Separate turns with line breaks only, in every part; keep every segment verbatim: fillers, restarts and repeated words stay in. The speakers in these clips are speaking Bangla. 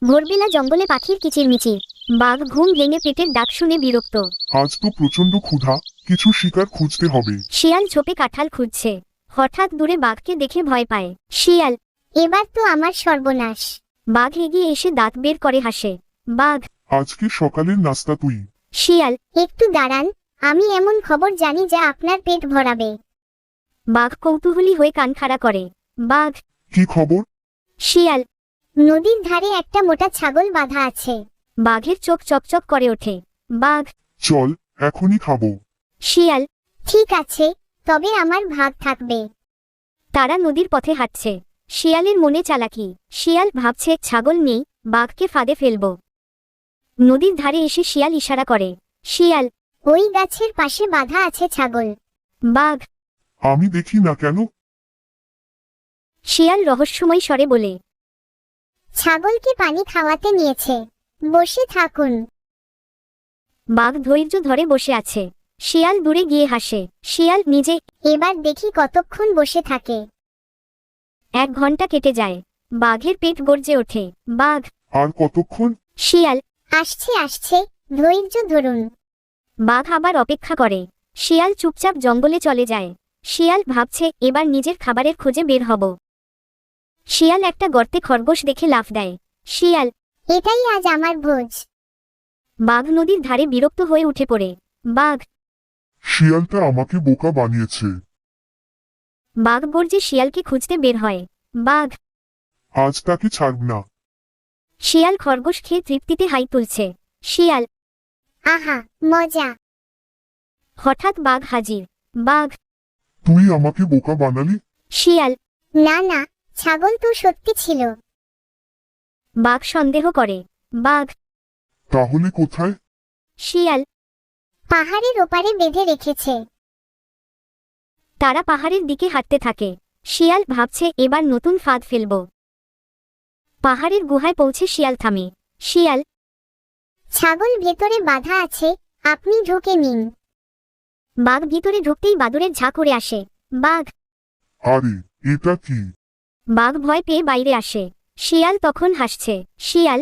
ভোরবেলা জঙ্গলে পাখির কিচিরমিচির। বাঘ ঘুম ভেঙে পেটের ডাক শুনে বিরক্ত।
আজ তো প্রচন্ড ক্ষুধা, কিছু শিকার খুঁজতে হবে।
শিয়াল ঝোপে কাঁঠাল খুঁজছে। হঠাৎ দূরে বাঘকে দেখে ভয় পায়। শিয়াল, এবার তো আমার সর্বনাশ। বাঘ এগিয়ে এসে দাঁত বের করে হাসে। বাঘ,
আজকে সকালের নাস্তা তুই।
শিয়াল, একটু দাঁড়ান, আমি এমন খবর জানি যা আপনার পেট ভরাবে। বাঘ কৌতূহলী হয়ে কান খাড়া করে। বাঘ,
কি খবর?
শিয়াল, নদীর ধারে একটা মোটা ছাগল বাঁধা আছে। বাঘের চোখ চকচক করে ওঠে। বাঘ,
চল, এখনই খাবো।
শিয়াল, ঠিক আছে, তবে আমার ভাগ থাকবে। তারা নদীর পথে হাঁটছে। শিয়ালের মনে চালাকি। শিয়াল ভাবছে ছাগল নেই, বাঘকে ফাঁদে ফেলব। নদীর ধারে এসে শিয়াল ইশারা করে। শিয়াল, ওই গাছের পাশে বাঁধা আছে ছাগল। বাঘ,
আমি দেখি না কেন?
শিয়াল রহস্যময় স্বরে বলে, ছাগলকে পানি খাওয়াতে নিয়েছে, বসে থাকুন। বাঘ ধৈর্য ধরে বসে আছে। শিয়াল দূরে গিয়ে হাসে। শিয়াল নিজে, এবার দেখি কতক্ষণ বসে থাকে। এক ঘন্টা কেটে যায়। বাঘের পেট গর্জে ওঠে। বাঘ,
আর কতক্ষণ?
শিয়াল, আসছে আসছে, ধৈর্য ধরুন। বাঘ আবার অপেক্ষা করে। শিয়াল চুপচাপ জঙ্গলে চলে যায়। শিয়াল ভাবছে এবার নিজের খাবারের খোঁজে বের হব। শিয়াল একটা গর্তে খরগোশ দেখে লাফ দেয়। শিয়াল, এটাই আজ আমার ভোজ। বাঘ নদীর ধারে বিরক্ত হয়ে উঠে পড়ে। বাঘ,
শিয়ালটা আমাকে বোকা বানিয়েছে।
বাঘ গর্জে শিয়ালকে খুঁজতে বের হয়। বাঘ,
আজ তাকে ছাড়ব না।
শিয়াল খরগোশ খেয়ে তৃপ্তিতে হাই তুলছে। শিয়াল, আহা, মজা। হঠাৎ বাঘ হাজির। বাঘ,
তুই আমাকে বোকা বানালি।
শিয়াল, না না, ছাগল তো সত্যি ছিল। বাঘ সন্দেহ করে। বাঘ,
তাহলে কোথায়?
শিয়াল, পাহাড়ের ওপারে বেঁধে রেখেছে। তারা পাহাড়ের দিকে হাঁটতে থাকে। শিয়াল ভাবছে এবার নতুন ফাঁদ ফেলব। পাহাড়ের গুহায় পৌঁছে শিয়াল থামে। শিয়াল, ছাগল ভেতরে বাঁধা আছে, আপনি ঢুকে নিন। বাঘ ভিতরে ঢুকতেই বাদুড়ের ঝাঁক উড়ে আসে। বাঘ,
আরে, এটা কি?
বাঘ ভয় পেয়ে বাইরে আসে। শিয়াল তখন হাসছে। শিয়াল,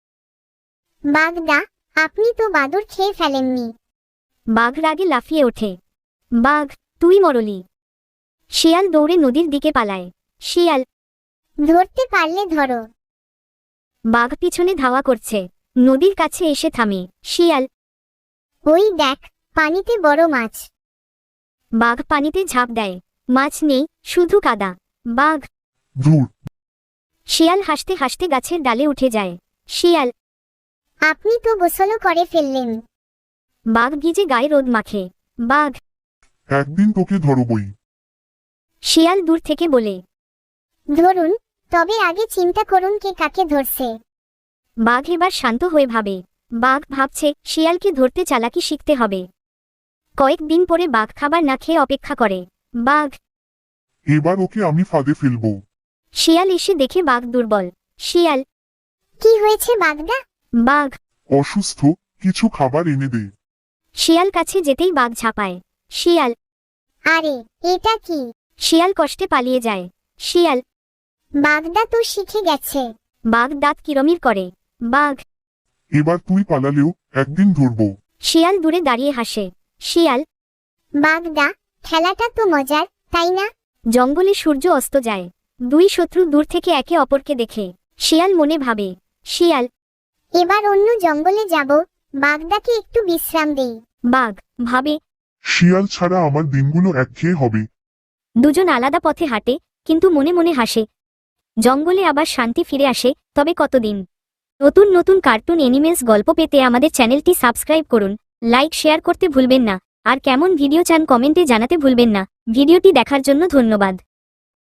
বাঘদা, আপনি তো বাদুড় খেয়ে ফেলেননি। বাঘ রাগে লাফিয়ে ওঠে। বাঘ, তুই মরলি। শিয়াল দৌড়ে নদীর দিকে পালায়। শিয়াল, ধরতে পারলে ধরো। বাঘ পিছনে ধাওয়া করছে। নদীর কাছে এসে থামে। শিয়াল, ওই দেখ, পানিতে বড় মাছ। বাঘ পানিতে ঝাঁপ দেয়। মাছ নেই, শুধু কাদা। বাঘ,
ধুর,
শিয়াল হাসতে হাসতে গাছের ডালে উঠে যায়। শিয়াল, আপনি তো গোসলও করে ফেললেন। বাঘ ভিজে গায়ে রোদ মাখে। বাঘ,
একদিন তোকে ধরবই।
শিয়াল দূর থেকে বলে, ধরুন, তবে আগে চিন্তা করুন কে কাকে ধরছে। বাঘ এবার শান্ত হয়ে ভাবে। বাঘ ভাবছে শিয়ালকে ধরতে চালাকি শিখতে হবে। কয়েকদিন পরে বাঘ খাবার না খেয়ে অপেক্ষা করে। বাঘ,
এবার ওকে আমি ফাঁদে ফেলবো।
শিয়াল এসে দেখে বাঘ দুর্বল। শিয়াল, কি হয়েছে বাঘদা? বাঘ,
অসুস্থ, কিছু খাবার এনে দে।
শিয়াল কাছে যেতেই বাঘ ঝাঁপায়। শিয়াল, আরে, এটা কি? শিয়াল কষ্টে পালিয়ে যায়। শিয়াল, বাঘদা তো শিখে গেছে। বাঘ দাঁত কিরমির করে। বাঘ,
এবার তুই পালালেও একদিন ধরবো।
শিয়াল দূরে দাঁড়িয়ে হাসে। শিয়াল, বাঘদা, খেলাটা তো মজার, তাই না? জঙ্গলে সূর্য অস্ত যায়। দুই শত্রু দূর থেকে একে অপরকে দেখে। শিয়াল মনে ভাবে। শিয়াল, এবার অন্য জঙ্গলে যাব, বাঘদাকে একটু বিশ্রাম দেই। বাঘ ভাবে,
শিয়াল ছাড়া আমার দিনগুলো একঘেয়ে হবে।
দুজন আলাদা পথে হাঁটে, কিন্তু মনে মনে হাসে। জঙ্গলে আবার শান্তি ফিরে আসে, তবে কতদিন? নতুন নতুন কার্টুন এনিমেলস গল্প পেতে আমাদের চ্যানেলটি সাবস্ক্রাইব করুন, লাইক শেয়ার করতে ভুলবেন না, আর কেমন ভিডিও চান কমেন্টে জানাতে ভুলবেন না। ভিডিওটি দেখার জন্য ধন্যবাদ।